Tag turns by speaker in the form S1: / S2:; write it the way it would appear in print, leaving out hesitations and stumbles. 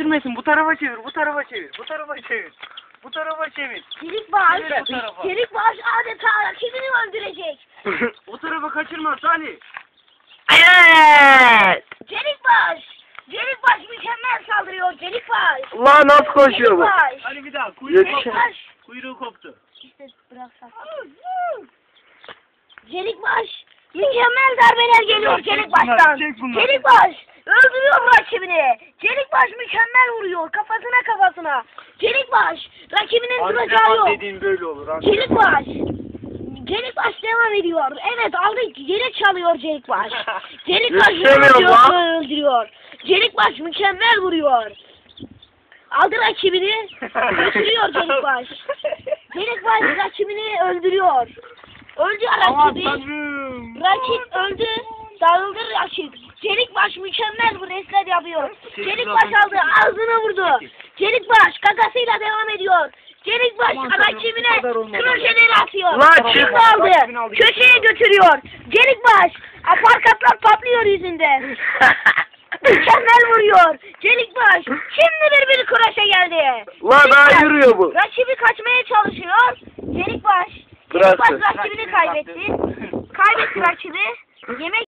S1: kaçırmayasın. Bu tarafa çevir, bu tarafa çevir, bu tarafa çevir. Bu tarafa çevir.
S2: Çelikbaş,
S1: Çevir bu tarafa.
S2: Çelikbaş adeta rakibini öldürecek.
S1: O tarafa kaçırma Salih.
S3: Evet.
S2: Çelikbaş mükemmel saldırıyor Çelikbaş.
S3: Ulan nasıl koşuyor bu?
S2: Çelikbaş.
S1: Hadi bir daha. Kuyruğu koptu.
S2: Çelikbaş.
S1: Kuyruğu koptu.
S2: İşte bıraksak. Çelikbaş. Mükemmel darbeler geliyor Çelikbaş'tan.
S1: Çek bunları.
S2: Çelikbaş öldürüyor rakibini. Çelikbaş mükemmel vuruyor kafasına. Çelikbaş rakibinin duracağı
S1: Antrenman
S2: yok.
S1: dediğin böyle olur. Antrenman.
S2: Çelikbaş devam ediyor. Evet aldı yere çalıyor Çelikbaş. Çelikbaş
S3: Yetişemiyorum lan.
S2: öldürüyor. Çelikbaş mükemmel vuruyor. Aldı rakibini. Götürüyor Çelikbaş. Çelikbaş rakibini öldürüyor. Öldü
S1: Aman
S2: rakibi.
S1: tanrım.
S2: Rakip öldü. Dağıldı rakip. Çelikbaş mükemmel bir reslet yapıyor. Çelikbaş aldı. Ağzına vurdu. Çelikbaş kakasıyla devam ediyor. Çelikbaş
S1: Aman tanrım,
S2: rakibine
S1: bu kadar olmadı.
S2: kroşeleri atıyor.
S3: Ulan çık.
S2: Şimdi aldı.
S1: Rakibini aldı.
S2: Köşeye götürüyor. Çelikbaş aparkatlar patlıyor yüzünde. Mükemmel vuruyor. Çelikbaş şimdi bir kroşe geldi.
S3: Ulan daha
S2: Çelikbaş
S3: yürüyor bu.
S2: rakibi kaçmaya çalışıyor. Çelikbaş
S3: Bıraktı.
S2: rakibini kaybetti. Kaybetti rakibi. Yemek